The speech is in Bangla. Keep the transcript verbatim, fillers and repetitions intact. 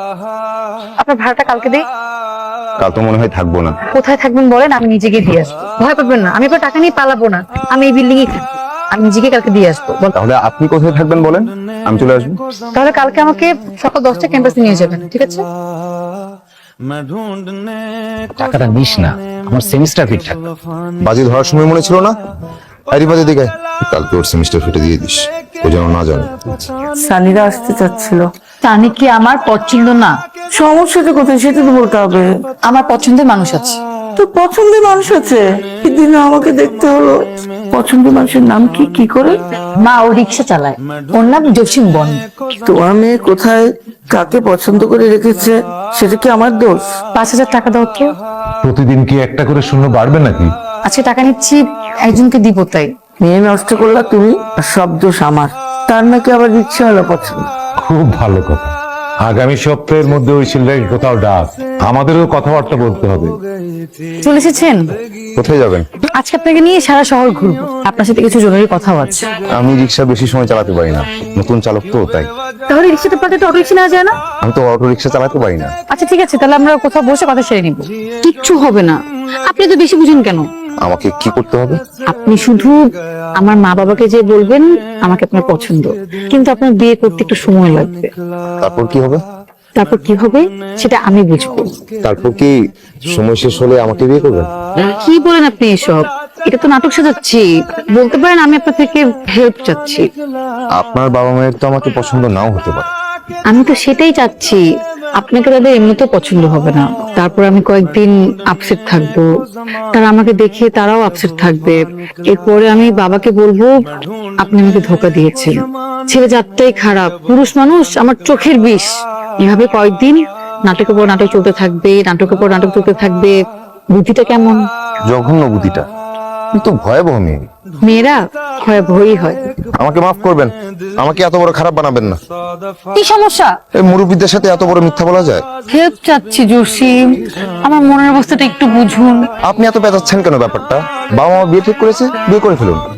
আপনার ভাড়াটা কালকে দিই। কাল তো মনে হয় থাকবো না। কোথায় থাকবেন বলেন, আমি নিজেকে দিয়ে আসবো। ভয় পাবেন না, আমি আপনার টাকা নিয়ে পালাবো না। আমি এই বিল্ডিং এ থাকি, আমি নিজেকে কালকে দিয়ে আসবো। তাহলে আপনি কোথায় থাকবেন বলেন, আমি চলে আসবো। তাহলে কালকে আমাকে সকাল দশটা ক্যাম্পাসে নিয়ে যাবেন, ঠিক আছে? টাকাটা নিস না, আমার সেমিস্টার ফি থাকবে। বাজি ধরার সময় মনে ছিল না? আরে বাজে দিকে কালকে ওর সেমিস্টার ফিটে দিয়ে দিস, ও যেন না জানে। সানিরা আসতে চাচ্ছিল। তানি কি আমার পছন্দ না? সমস্যাটা কোথায় সেটা তো বলতে হবে। আমার পছন্দের মানুষ আছে। তোর পছন্দের মানুষ আছে? সেদিন আমাকে দেখতে হলো। পছন্দের মানুষের নাম কি কি করে? মা ও রিক্সা চালায়, ওর নাম জসিম বন। তোমার মেয়ে কোথায় কাকে পছন্দ করে রেখেছে সেটা কি আমার দোষ? পাঁচ হাজার টাকা দাও তো। প্রতিদিন কি একটা করে শূন্য বাড়বে নাকি? আজকে টাকা নিচ্ছি, একজনকে দিব তাই। মেয়ে নষ্ট করলা তুমি, আর সব দোষ আমার। তার নাকি আবার রিক্সা হলো পছন্দ। খুব ভালো কথা। আগামী সপ্তাহের মধ্যে ওই ছেলেটাকে কোথাও ডাক, আমাদেরও কথাবার্তা বলতে হবে। চলে এসেছেন? কোথায় যাবেন? আজকে আপনাকে নিয়ে সারা শহর ঘুরবো, আপনার সাথে কিছু জরুরি কথাও আছে। আমি রিক্সা বেশি সময় চালাতে পারি না, নতুন চালক তো তাই। তাহলে রিক্সাতে পাঠাতে অটো রিক্সা নেওয়া যায় না? আমি তো অটো রিক্সা চালাতে পারি না। আচ্ছা ঠিক আছে, তাহলে আমরা কোথাও বসে কথা সেরে নিব। কিচ্ছু হবে না, আপনি তো বেশি বুঝেন কেন? আমাকে কি করতে হবে? আপনি শুধু আমার মা বাবাকে যে বলবেন আমাকে আপনার পছন্দ, কিন্তু আপনার বিয়ে করতে একটু সময় লাগবে। তারপর কি হবে? তারপর কি হবে সেটা আমি বুঝবো। তারপর কি সময় শেষ হলে আমাকে বিয়ে করবেন? কি বলেন আপনি এসব? এটা তো নাটক সাজাচ্ছি। বলতে পারেন আমি আপনার থেকে হেল্প চাচ্ছি। আপনার বাবা মায়ের তো আমাকে পছন্দ নাও হতে পারে। আমি তো সেটাই চাচ্ছি, আপনাকে তাদের এমনিতেও পছন্দ হবে না। তারপর আমি কয়েকদিন আপসেট থাকবো, তারা আমাকে দেখে তারাও আপসেট থাকবে। এরপরে আমি বাবাকে বলবো আপনি আমাকে ধোকা দিয়েছেন, ছেলে জাতটাই খারাপ, পুরুষ মানুষ আমার চোখের বিষ। এভাবে কয়েকদিন নাটকের পর নাটক চলতে থাকবে, নাটকের পর নাটক চলতে থাকবে। বুদ্ধিটা কেমন? জঘন্য বুদ্ধিটা, কিন্তু ভয়াবহ মেয়ে। মেয়েরা ভয়াবহই হয়। আমাকে মাফ করবেন, আমাকে এত বড় খারাপ বানাবেন না। কি সমস্যা? এই মুরব্বীদের সাথে এত বড় মিথ্যা বলা যায়? হেল্প চাচ্ছি জসিম, আমার মনের অবস্থাটা একটু বুঝুন। আপনি এত পেঁচাচ্ছেন কেন ব্যাপারটা? বাবা মা বিয়ে ঠিক করেছে, বিয়ে করে ফেলুন।